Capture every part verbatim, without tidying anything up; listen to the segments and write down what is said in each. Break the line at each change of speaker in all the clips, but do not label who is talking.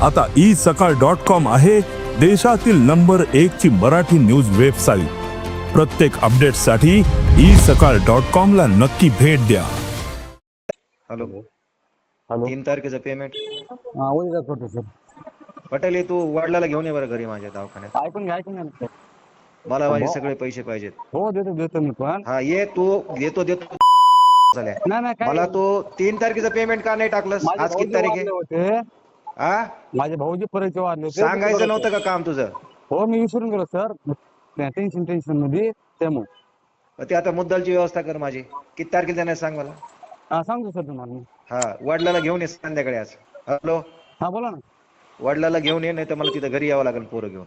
आता ई सकाळ dot com आहे देशातील नंबर एक ची मराठी न्यूज वेबसाईट। प्रत्येक अपडेटसाठी ई सकाळ डॉट कॉम ला नक्की भेट द्या।
हॅलो
हॅलो
तीन तारखेचं पेमेंट
हा उद्या करतो सर।
पटेल तू वडिलाला घेऊन ये बरं घरी माझ्या दवाखान्यात।
ऐकून घ्या ऐकून घ्या सर।
मला माझे सगळे पैसे पाहिजेत।
हो देतो देतो मी पण।
हा ये तू देतो देतो झाल्या
नाही नाही काय
मला तू तीन तारखेचं पेमेंट का नाही टाकलंस?
माझे
आज किती
भाऊजी
तारीख आहे?
वारले होते
हा
माझे भाऊजी परिचय वाढले होते।
सांगायचं नव्हतं का काम तुझं?
हो मी विसरून गेलो सर, टेन्शन टेन्शन मध्ये त्यामुळे।
ते आता मुद्दलची व्यवस्था कर माझी। किती तारखेला जाणार सांग मला।
हा सांगतो सर तुम्हाला मी।
हा वडिलाला घेऊन ये संध्याकाळी आज। हॅलो
हा बोला ना।
वडिलाला घेऊन ये, नाही तर मला तिथं घरी यावं लागेल पोरं घेऊन।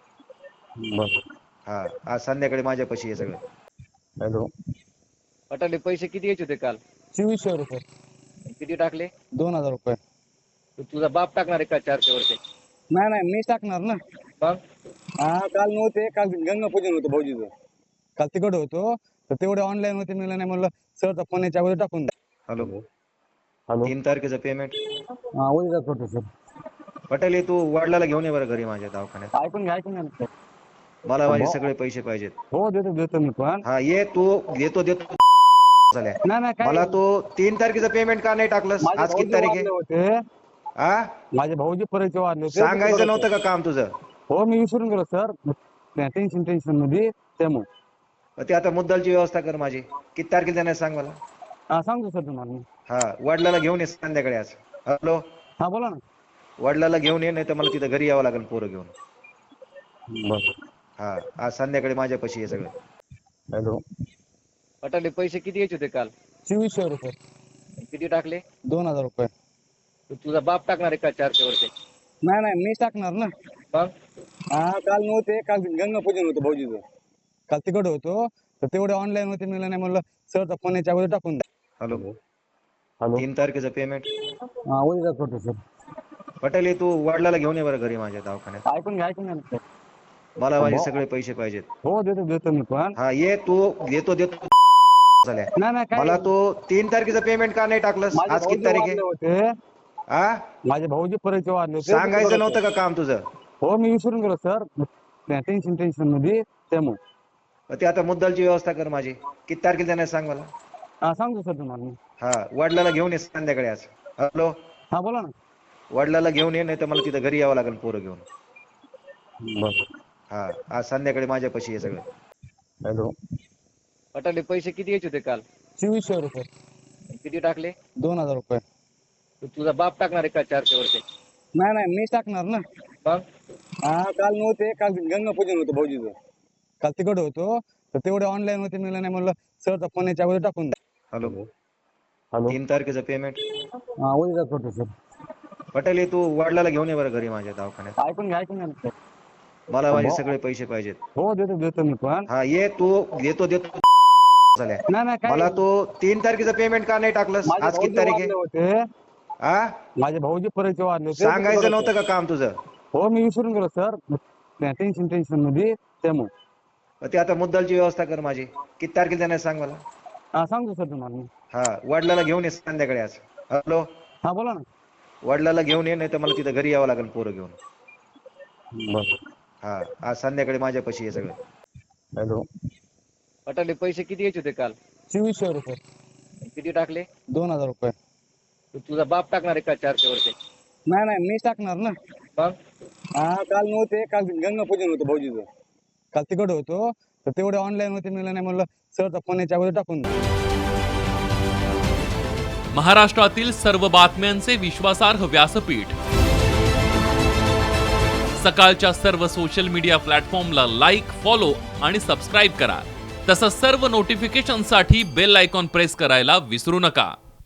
बरं
हा आज संध्याकाळी माझ्यापाशी हे सगळं।
हॅलो
पटाले पैसे किती यायचे होते काल?
चोवीसशे रुपये।
किती टाकले?
दोन हजार रुपये।
तुझा बाप टाकणार आहे का चारशे वरचे?
नाही नाही मीच टाकणार ना।
मग
हा काल नव्हते, काल गंगा पूजन होतं भाऊजीचं, काल तिकडे होतो तर तेवढे ऑनलाईन होते, मिळलं नाही म्हणलं सरचा फोन याच्या अगोदर टाकून द्या।
हॅलो
हॅलो
तीन तारखेचं पेमेंट
हा उद्या करतो सर।
पटेल तू वडिलाला घेऊन ये बरं घरी माझ्या दवाखान्यात।
ऐकून घ्या ऐकून घ्या सर।
मला माझे सगळे पैसे पाहिजेत।
हो देतो देतो मी पण।
हा ये तू देतो देतो झाल्या
नाही नाही काय
मला तू तीन तारखेचं पेमेंट का नाही टाकलंस?
माझे
आज किती
भाऊजी
तारीख आहे?
वारले होते
हा
माझे भाऊजी परिचय वाढले होते।
सांगायचं नव्हतं का काम तुझं?
हो मी विसरून गेलो सर, टेन्शन टेन्शन मध्ये त्यामुळे।
ते आता मुद्दलची व्यवस्था कर माझी। किती तारखेला जाणार सांग मला।
हा सांगतो सर तुम्हाला मी।
हा वडिलाला घेऊन ये संध्याकाळी आज। हॅलो
हा बोला ना।
वडिलाला घेऊन ये, नाही तर मला तिथं घरी यावं लागेल पोरं घेऊन।
बरं
हा आज संध्याकाळी माझ्यापाशी हे सगळं।
हॅलो
पटाले पैसे किती यायचे होते काल?
चोवीसशे रुपये।
किती टाकले?
दोन हजार रुपये।
तुझा बाप टाकणार आहे का चारशे वरचे?
नाही नाही मीच टाकणार ना।
मग
हा काल नव्हते, काल गंगा पूजन होतं भाऊजीचं, काल तिकडे होतो तर तेवढे ऑनलाईन होते, मिळलं नाही म्हणलं सरचा फोन याच्या अगोदर टाकून द्या।
हॅलो
हॅलो
तीन तारखेचं पेमेंट
हा उद्या करतो सर।
पटेल तू वडिलाला घेऊन ये बरं घरी माझ्या दवाखान्यात।
ऐकून घ्या ऐकून घ्या सर।
मला माझे सगळे पैसे पाहिजेत।
हो देतो देतो मी पण।
हा ये तू देतो देतो झाल्या
नाही नाही काय
मला तू तीन तारखेचं पेमेंट का नाही टाकलंस?
माझे
आज किती
भाऊजी
तारीख आहे?
वारले होते
हा
माझे भाऊजी परिचय वाढले होते।
सांगायचं नव्हतं का काम तुझं?
हो मी विसरून गेलो सर, टेन्शन टेन्शन मध्ये त्यामुळे।
ते आता मुद्दलची व्यवस्था कर माझी। किती तारखेला जाणार सांग मला।
हा सांगतो सर तुम्हाला मी।
हा वडिलाला घेऊन ये संध्याकाळी आज। हॅलो
हा बोला ना।
वडिलाला घेऊन ये, नाही तर मला तिथं घरी यावं लागेल पोरं घेऊन।
बरं
हा आज संध्याकाळी माझ्यापाशी हे सगळं।
हॅलो
पटाले पैसे किती यायचे होते काल?
चोवीसशे रुपये।
किती टाकले?
दोन हजार रुपये।
तुझा बाप टाकणार आहे का चारशे वरचे?
नाही नाही मीच टाकणार ना।
मग
हा काल नव्हते, काल गंगा पूजन होतं भाऊजीचं, काल तिकडे होतो तर तेवढे ऑनलाईन होते, मिळलं नाही म्हणलं सरचा फोन याच्या अगोदर टाकून द्या।
हॅलो
हॅलो
तीन तारखेचं पेमेंट
हा उद्या करतो सर।
पटेल तू वडिलाला घेऊन ये बरं घरी माझ्या दवाखान्यात।
ऐकून घ्या ऐकून घ्या सर।
मला माझे सगळे पैसे पाहिजेत।
हो देतो देतो मी पण।
हा ये तू देतो देतो झाल्या
नाही नाही काय
मला तू तीन तारखेचं पेमेंट का नाही टाकलंस?
माझे
आज किती
भाऊजी
तारीख
वारले
आहे?
होते
हा
माझे भाऊजी परिचय वाढले होते।
सांगायचं नव्हतं का काम तुझं?
हो मी विसरून गेलो सर, टेन्शन टेन्शन मध्ये त्यामुळे।
ते आता मुद्दलची व्यवस्था कर माझी। किती तारखेला जाणार सांग मला।
हा सांगतो सर तुम्हाला मी।
हा वडिलाला घेऊन ये संध्याकाळी आज। हॅलो
हा बोला ना।
वडिलाला घेऊन ये, नाही तर मला तिथं घरी यावं लागेल पोरं घेऊन।
बरं
हा आज संध्याकाळी माझ्यापाशी हे सगळं।
हॅलो
पटाले पैसे किती यायचे होते काल?
चोवीसशे रुपये।
किती टाकले?
दोन हजार रुपये।
तुझा बाप टाकणार आहे का चारशे वरचे?
नाही नाही मीच टाकणार ना।
मग
हा काल नव्हते, काल गंगा पूजन होतं भाऊजीचं, काल तिकडे होतो तर तेवढे ऑनलाईन होते, मिळलं नाही म्हणलं सरचा फोन याच्या अगोदर टाकून द्या।
महाराष्ट्रातील सर्व बातम्यांचे विश्वासार्ह व्यासपीठ सकाळच्या सर्व सोशल मीडिया प्लॅटफॉर्मला लाईक, फॉलो आणि सबस्क्राईब करा। तसंच सर्व नोटिफिकेशनसाठी बेल आयकॉन प्रेस करायला विसरू नका।